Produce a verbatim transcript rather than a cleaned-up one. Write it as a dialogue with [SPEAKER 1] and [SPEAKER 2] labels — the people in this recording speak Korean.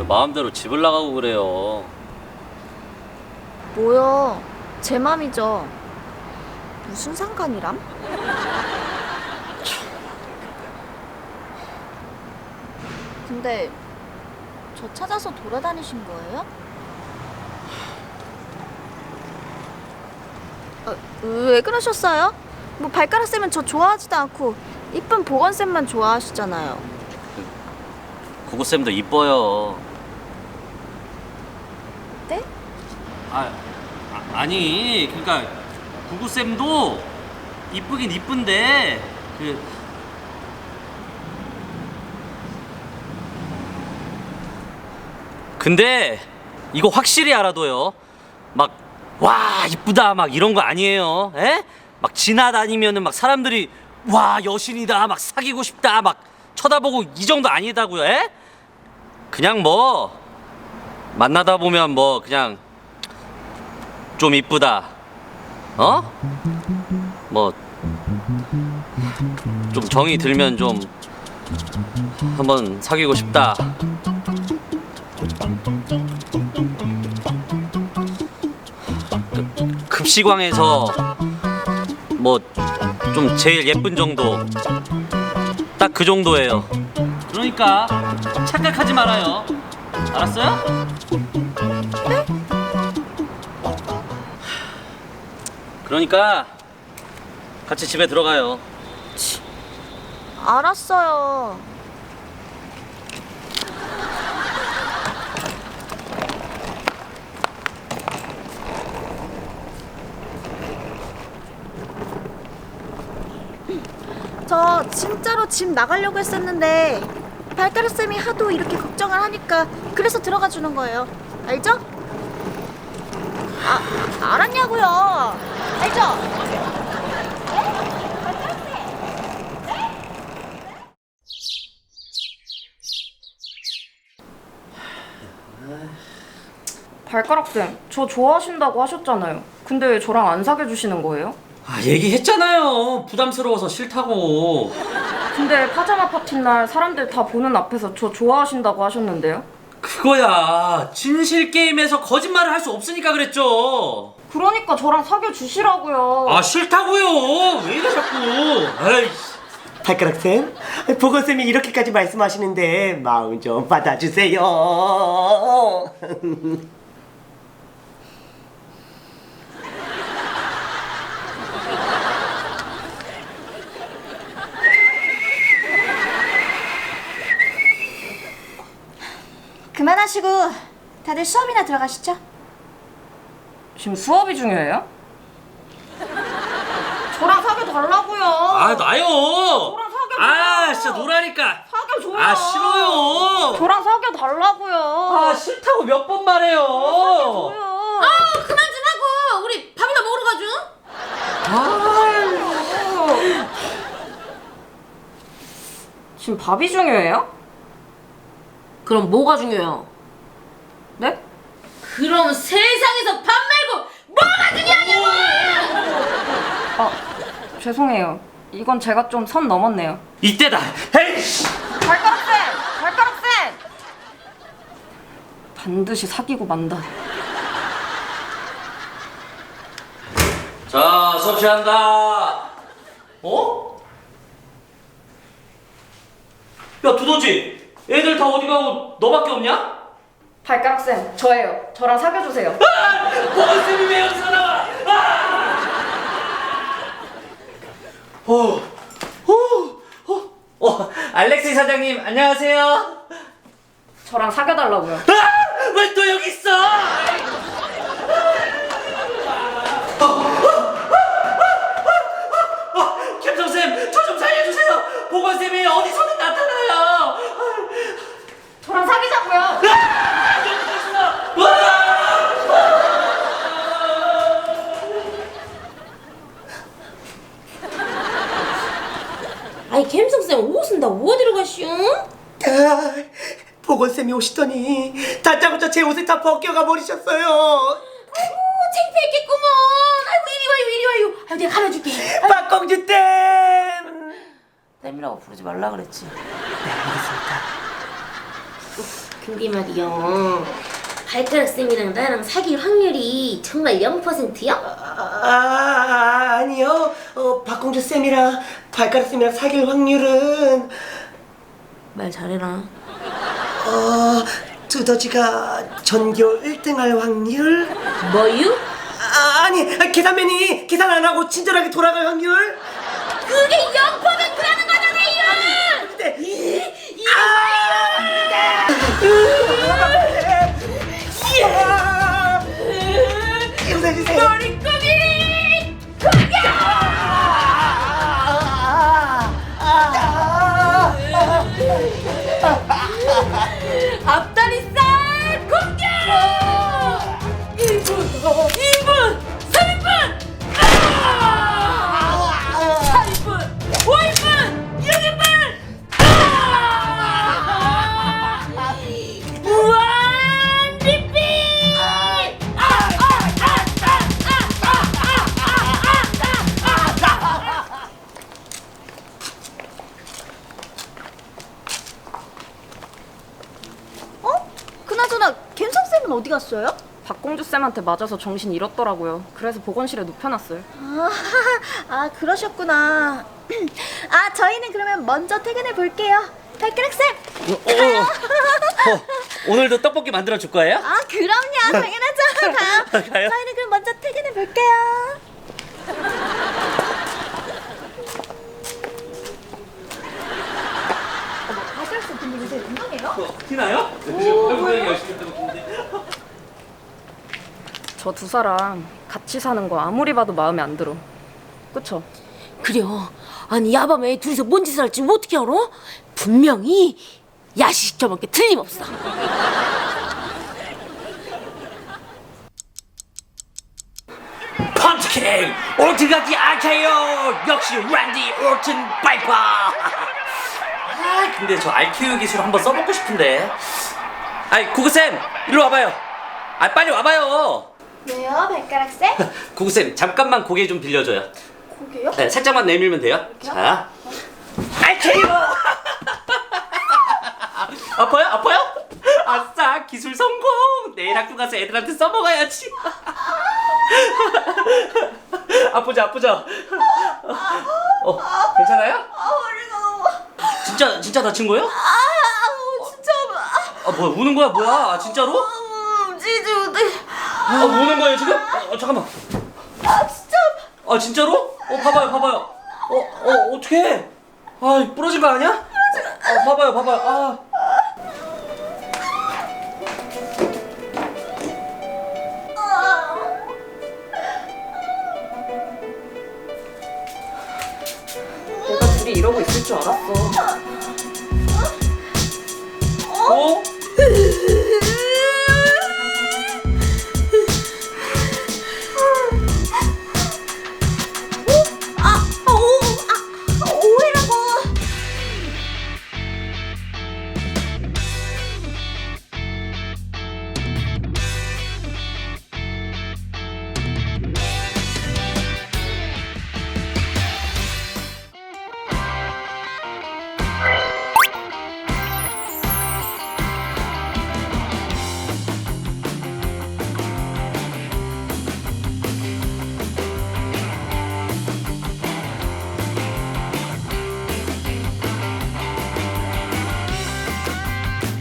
[SPEAKER 1] 마음대로 집을 나가고 그래요.
[SPEAKER 2] 뭐야, 제 맘이죠. 무슨 상관이람? 근데 저 찾아서 돌아다니신 거예요? 어, 왜 그러셨어요? 뭐 발가락 쌤은 저 좋아하지도 않고 이쁜 보건 쌤만 좋아하시잖아요.
[SPEAKER 1] 구구쌤도 이뻐요.
[SPEAKER 2] 네?
[SPEAKER 1] 아, 아 아니 그러니까 구구쌤도 이쁘긴 이쁜데 그 근데 이거 확실히 알아둬요. 막 와 이쁘다 막 이런 거 아니에요. 에? 막 지나다니면은 막 사람들이 와 여신이다 막 사귀고 싶다 막 쳐다보고 이 정도 아니다고요. 에? 그냥 뭐 만나다 보면 뭐 그냥 좀 이쁘다. 어? 뭐 좀 정이 들면 좀 한번 사귀고 싶다. 급시광에서 뭐 좀 제일 예쁜 정도 딱 그 정도예요. 그러니까 착각하지 말아요. 알았어요? 네? 그러니까 같이 집에 들어가요.
[SPEAKER 2] 알았어요. 저 진짜로 집 나가려고 했었는데 발가락 쌤이 하도 이렇게 걱정을 하니까 그래서 들어가 주는 거예요. 알죠? 아, 알았냐고요. 알죠?
[SPEAKER 3] 발가락쌤, 저 좋아하신다고 하셨잖아요. 근데 왜 저랑 안 사귀어주시는 거예요?
[SPEAKER 1] 아 얘기했잖아요. 부담스러워서 싫다고.
[SPEAKER 3] 근데 파자마 파티 날 사람들 다 보는 앞에서 저 좋아하신다고 하셨는데요?
[SPEAKER 1] 그거야 진실 게임에서 거짓말을 할 수 없으니까 그랬죠.
[SPEAKER 3] 그러니까 저랑 사귀어주시라고요.
[SPEAKER 1] 아 싫다고요. 왜 이래 자꾸. 아이씨.
[SPEAKER 4] 발가락쌤, 보건쌤이 이렇게까지 말씀하시는데 마음 좀 받아주세요.
[SPEAKER 2] 그만하시고 다들 수업이나 들어가시죠.
[SPEAKER 3] 지금 수업이 중요해요? 저랑 사귀어달라고요.
[SPEAKER 1] 아 나요.
[SPEAKER 3] 저랑 사귀어줘요.
[SPEAKER 1] 아 진짜 노라니까.
[SPEAKER 3] 사귀어줘요.
[SPEAKER 1] 아 싫어요.
[SPEAKER 3] 저랑 사귀어달라고요.
[SPEAKER 1] 아 싫다고 몇 번 말해요.
[SPEAKER 3] 사귀어줘요.
[SPEAKER 5] 아 그만 좀 하고 우리 밥이나 먹으러 가죠.
[SPEAKER 3] 지금 밥이 중요해요?
[SPEAKER 5] 그럼 뭐가 중요해요?
[SPEAKER 3] 네?
[SPEAKER 5] 그럼 세상에서 밥 말고 뭐가 중요하냐고!
[SPEAKER 3] 아, 죄송해요. 이건 제가 좀 선 넘었네요.
[SPEAKER 1] 이때다. 에이씨.
[SPEAKER 3] 발가락쌤! 발가락쌤! 반드시 사귀고 만다.
[SPEAKER 1] 자 수업 시작한다. 어? 야 두더지. 애들 다 어디 가고 너밖에 없냐?
[SPEAKER 3] 발가락쌤, 저예요. 저랑 사귀어주세요.
[SPEAKER 1] 보건쌤이 왜 여기서 나와? 아! 어, 어, 어, 어, 알렉스 사장님 안녕하세요.
[SPEAKER 3] 저랑 사귀어달라고요.
[SPEAKER 1] 아! 왜 또 여기 있어? 김성쌤, 저 좀 살려주세요. 보건쌤이 어디서든 나타나요.
[SPEAKER 3] 저랑 사귀자고요.
[SPEAKER 5] 아니 캠성쌤 옷은 다 어디로 가시오?
[SPEAKER 4] 아, 보건쌤이 오시더니 다짜고짜 제 옷을 다 벗겨가 버리셨어요.
[SPEAKER 5] 아이고 창피했겠구먼. 아이고 이리 와요 이리 와요. 아이고 내가 가려줄게.
[SPEAKER 4] 박공주 댐.
[SPEAKER 5] 쌤이라고 부르지 말라 그랬지.
[SPEAKER 4] 네, 알겠습니다.
[SPEAKER 5] 근데 말이요. 발가락 쌤이랑 나랑 사귈 확률이 정말 영 퍼센트요?
[SPEAKER 4] 아, 아니요. 어, 박공주 쌤이랑 발가락 쌤이랑 사귈 확률은
[SPEAKER 5] 말 잘해라.
[SPEAKER 4] 어, 두더지가 전교 일 등 할 확률?
[SPEAKER 5] 뭐유?
[SPEAKER 4] 아, 아니, 계산맨이 계산 안 하고 친절하게 돌아갈 확률?
[SPEAKER 5] 그게 영 퍼센트라는 거잖아요!
[SPEAKER 4] 근데
[SPEAKER 5] 이, 이,
[SPEAKER 4] 용서해주세요.
[SPEAKER 5] 머리끄기! 공격! 앞다리살 공격! 일 분, 이 분, 삼 분, 사 분, 오 분, 육 분, 무한 리필!
[SPEAKER 2] 어? 그나저나 갬성쌤은 어디 갔어요?
[SPEAKER 3] 박공주 쌤한테 맞아서 정신 잃었더라고요. 그래서 보건실에 눕혀놨어요.
[SPEAKER 2] 아, 아 그러셨구나. 아 저희는 그러면 먼저 퇴근해 볼게요. 발가락쌤.
[SPEAKER 1] 어, 어, 어, 오늘도 떡볶이 만들어 줄 거예요?
[SPEAKER 2] 아 그럼요. 당연하죠. 가요.
[SPEAKER 1] 가요?
[SPEAKER 2] 저희는 그럼 먼저 퇴근해 볼게요. 발가락쌤 근데 요새 운동해요?
[SPEAKER 1] 티나요? 굉장히 열심히 하고 있는데.
[SPEAKER 3] 저 두 사람 같이 사는 거 아무리 봐도 마음에 안 들어. 그쵸?
[SPEAKER 5] 그래요. 아니 야밤에 둘이서 뭔 짓을 할지 어떻게 알아? 분명히 야식 저먹게 틀림없어.
[SPEAKER 1] 펀치킹! 올트가기 아케요! 역시 랜디 올튼 바이퍼! 아 근데 저 알큐 기술 한번 써보고 싶은데. 아이 구구쌤 이리 와봐요. 아 빨리 와봐요.
[SPEAKER 2] 왜요, 발가락쌤?
[SPEAKER 1] 구구쌤 잠깐만 고개 좀 빌려줘요.
[SPEAKER 2] 고개요?
[SPEAKER 1] 네 살짝만 내밀면 돼요. 자 알케요! 아파요? 아파요? 아싸 기술 성공! 내일 학교 가서 애들한테 써먹어야지. 아프죠 아프죠? 어 괜찮아요?
[SPEAKER 2] 아 머리가 너무.
[SPEAKER 1] 진짜 진짜 다친 거예요?
[SPEAKER 2] 아 진짜.
[SPEAKER 1] 아 뭐야 우는 거야 뭐야 아, 진짜로?
[SPEAKER 2] 아, 움직이지 못해.
[SPEAKER 1] 아 우는 거예요 지금? 어, 어, 잠깐만.
[SPEAKER 2] 아 진짜.
[SPEAKER 1] 아 진짜로? 어 봐봐요 봐봐요. 어어 어떡해? 아 부러진 거 아니야? 아 봐봐요 봐봐요. 아.
[SPEAKER 3] 내가 둘이 이러고 있을 줄 알았어.
[SPEAKER 1] 어?